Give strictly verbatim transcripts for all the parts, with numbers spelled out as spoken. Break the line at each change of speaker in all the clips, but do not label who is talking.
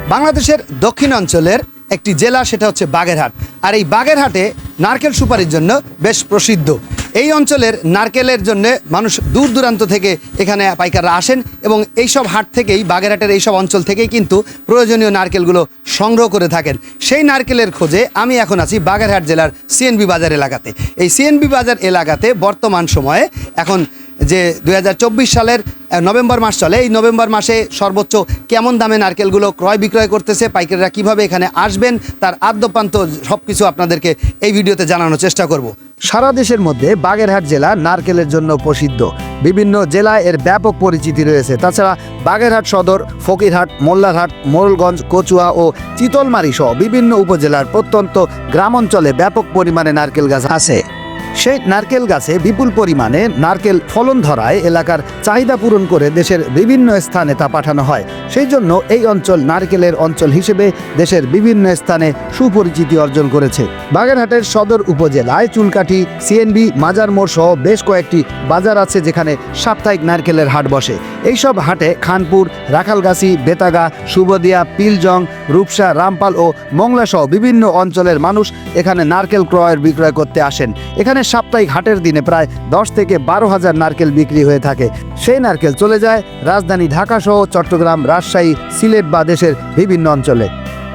বাংলাদেশের দক্ষিণ অঞ্চলের একটি জেলা, সেটা হচ্ছে বাগেরহাট। আর এই বাগেরহাটে নারকেল সুপারির জন্য বেশ প্রসিদ্ধ। এই অঞ্চলের নারকেলের জন্য মানুষ দূর দূরান্ত থেকে এখানে পাইকাররা আসেন এবং এইসব হাট থেকেই, বাগেরহাটের এইসব অঞ্চল থেকেই কিন্তু প্রয়োজনীয় নারকেলগুলো সংগ্রহ করে থাকেন। সেই নারকেলের খোঁজে আমি এখন আছি বাগেরহাট জেলার সিএনবি বাজার এলাকাতে। এই সিএনবি বাজার এলাকাতে বর্তমান সময়ে এখন যে দুই হাজার চব্বিশ সালের নভেম্বর মাস চলে, এই নভেম্বর মাসে সর্বোচ্চ কেমন দামে নারকেলগুলো ক্রয় বিক্রয় করতেছে, পাইকাররা কিভাবে এখানে আসবেন, তার আদ্যপ্রান্ত সব কিছু আপনাদেরকে এই ভিডিওতে জানানোর চেষ্টা করব। সারা দেশের মধ্যে বাগেরহাট জেলা নারকেলের জন্য প্রসিদ্ধ। বিভিন্ন জেলায় এর ব্যাপক পরিচিতি রয়েছে। তাছাড়া বাগেরহাট সদর, ফকিরহাট, মোল্লারহাট, মোড়লগঞ্জ, কচুয়া ও চিতলমারি সহ বিভিন্ন উপজেলার প্রত্যন্ত গ্রাম অঞ্চলে ব্যাপক পরিমাণে নারকেল গাছ আছে। সেই নারকেল গাছে বিপুল পরিমাণে নারকেল ফলন ধরায় এলাকার চাহিদা পূরণ করে দেশের বিভিন্ন স্থানে তা পাঠানো হয়। সেই জন্য এই অঞ্চল নারকেলের অঞ্চল হিসেবে দেশের বিভিন্ন স্থানে সুপরিচিতি অর্জন করেছে। বাগেরহাটের সদর উপজেলায় চুলকাঠি, সিএনবি, মাজার মোড় সহ বেশ কয়েকটি বাজার আছে যেখানে সাপ্তাহিক নারকেলের হাট বসে। এইসব হাটে খানপুর, রাখালগাছি, বেতাগা, সুবদিয়া, পিলজং, রূপসা, রামপাল ও মংলা সহ বিভিন্ন অঞ্চলের মানুষ এখানে নারকেল ক্রয় বিক্রয় করতে আসেন। এখানে সাপ্তাহিক হাটের দিনে প্রায় দশ থেকে বারো হাজার নারকেল বিক্রি হয়ে থাকে। সেই নারকেল চলে যায় রাজধানী ঢাকা সহ চট্টগ্রাম, রাজশাহী, সিলেট বা দেশের বিভিন্ন অঞ্চলে।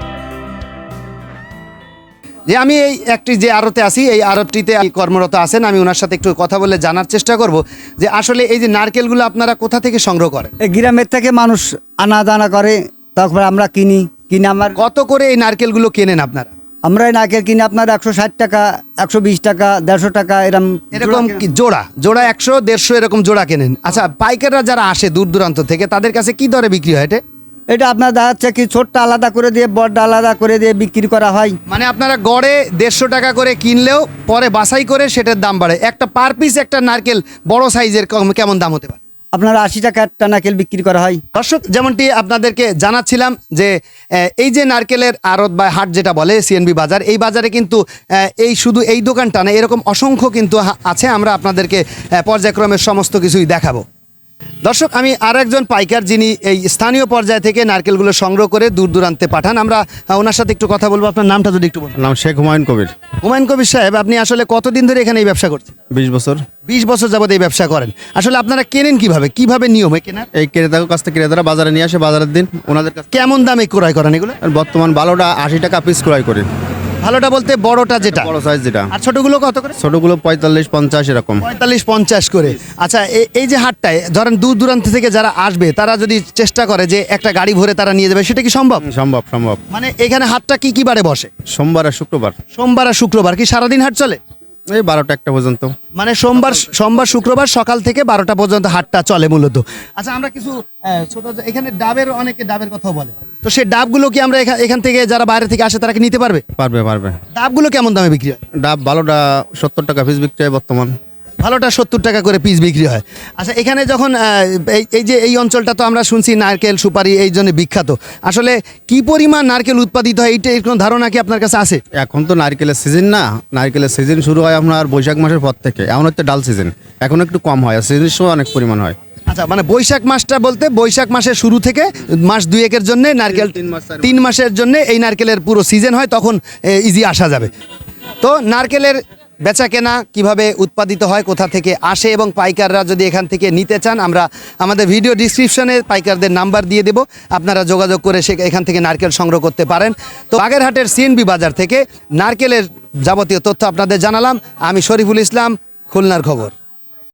যে আমি এই একটি যে আড়তে আছি, এই আড়তটিতে কর্মরত আছেন, আমি ওনার সাথে একটু কথা বলে জানার চেষ্টা করব যে আসলে এই যে নারকেলগুলো আপনারা কোথা থেকে সংগ্রহ করেন?
এই গ্রামের থেকে মানুষ আনা দানা করে, তারপরে আমরা কিনি। কিনে আমার
কত করে এই নারকেলগুলো কেনেন আপনারা?
আমরা এই নারকেল কিনে আপনার একশো ষাট টাকা, একশো বিশ টাকা, দেড়শো টাকা এরকম
এরকম কি জোড়া জোড়া একশো দেড়শো এরকম জোড়া কেনেন? আচ্ছা, পাইকাররা যারা আসে দূর দূরান্ত থেকে তাদের কাছে কি দরে বিক্রি হয় এটা?
এটা আপনার দেখা যাচ্ছে কি ছোটটা আলাদা করে দিয়ে বড়টা আলাদা করে দিয়ে বিক্রি করা হয়।
মানে আপনারা গড়ে দেড়শো টাকা করে কিনলেও পরে বাছাই করে সেটার দাম বাড়ে। একটা পার পিস একটা নারকেল বড় সাইজের কেমন দাম হতে পারে?
আপনার আশি টাকা একটা নারকেল বিক্রি করা হয়।
দর্শক, যেমনটি আপনাদেরকে জানাচ্ছিলাম যে এই যে নারকেলের আড়ত বা হাট যেটা বলে সিএনবি বাজার, এই বাজারে কিন্তু এই শুধু এই দোকানটা না, এরকম অসংখ্য কিন্তু আছে। আমরা আপনাদেরকে পর্যায়ক্রমে সমস্ত কিছুই দেখাবো। দর্শক, আমি আর একজন পাইকার যিনি এই স্থানীয় পর্যায় থেকে নারকেলগুলো সংগ্রহ করে দূর দূরান্তে পাঠান, আমরা ওনার সাথে একটু কথা বলবো। আপনার নামটা যদি একটু বলুন।
নাম শেখ হুমায়ুন কবির।
হুমায়ুন কবির সাহেব, আপনি আসলে কতদিন ধরে এখানে এই ব্যবসা করছেন?
বিশ বছর।
বিশ বছর যাবত এই ব্যবসা করেন। আসলে আপনারা কেনেন কিভাবে, কিভাবে নিয়মে কেনার?
এই ক্রেতার কাছ থেকে ক্রেতারা বাজারে নিয়ে আসে, বাজারের দিন ওনাদের কাছে।
কেমন দামে ক্রয় করেন এগুলো?
বর্তমান ভালোটা আশি টাকা পিস ক্রয় করি।
ভালোটা বলতে বড়টা যেটা,
বড় সাইজ যেটা।
আর ছোটগুলো কত করে?
ছোটগুলো পঁয়তাল্লিশ পঞ্চাশ এরকম।
পঁয়তাল্লিশ পঞ্চাশ করে। আচ্ছা, এই যে হাটটায় ধরেন দূর দূরান্ত থেকে যারা আসবে তারা যদি চেষ্টা করে যে একটা গাড়ি ভরে তারা নিয়ে যাবে, সেটা কি সম্ভব?
সম্ভব সম্ভব।
মানে এখানে হাটটা কি কি বারে বসে?
সোমবার আর শুক্রবার।
সোমবার আর শুক্রবার। কি সারাদিন হাট চলে?
এই বারোটা একটা পর্যন্ত।
মানে সোমবার সোমবার শুক্রবার সকাল থেকে বারোটা পর্যন্ত হাটটা চলে মূলত। আচ্ছা, আমরা কিছু ছোট এখানে ডাবের, অনেকে ডাবের কথাও বলে, তো সেই ডাবগুলো কি আমরা এখান থেকে যারা বাইরে থেকে আসে তারা কি নিতে পারবে?
পারবে পারবে।
ডাবগুলো কেমন দামে বিক্রি হয়?
ডাব ভালোটা সত্তর টাকা পিস বিক্রি হয় বর্তমান।
ভালোটা সত্তর টাকা করে পিস বিক্রি হয়। আচ্ছা, এখানে যখন এই যে এই অঞ্চলটা তো আমরা শুনছি নারকেল সুপারি এই জন্য বিখ্যাত, আসলে কি পরিমাণ নারকেল উৎপাদিত হয় এইটা এর কোনো ধারণা কি আপনার কাছে আছে?
এখন তো নারকেলের সিজন না, নারকেলের সিজন শুরু হয় আপনার বৈশাখ মাসের পর থেকে। এখন হচ্ছে ডাল সিজন, এখন একটু কম হয়, আর সিজনের সময় অনেক পরিমাণ হয়।
আচ্ছা, মানে বৈশাখ মাসটা বলতে বৈশাখ মাসের শুরু থেকে মাস দুয়েকের জন্য নারকেল, তিন মাসের জন্য এই নারকেলের পুরো সিজন হয়, তখন ইজি আসা যাবে। তো নারকেলের বেচা কেনা কিভাবে উৎপাদিত হয়, কোথা থেকে আসে এবং পাইকাররা যদি এখান থেকে নিতে চান, আমরা আমাদের ভিডিও ডিসক্রিপশনে পাইকারদের নাম্বার দিয়ে দেব, আপনারা যোগাযোগ করে সে এখান থেকে নারকেল সংগ্রহ করতে পারেন। তো বাগেরহাটের সিএনবি বাজার থেকে নারকেলের যাবতীয় তথ্য আপনাদের জানালাম। আমি শরীফুল ইসলাম, খুলনার খবর।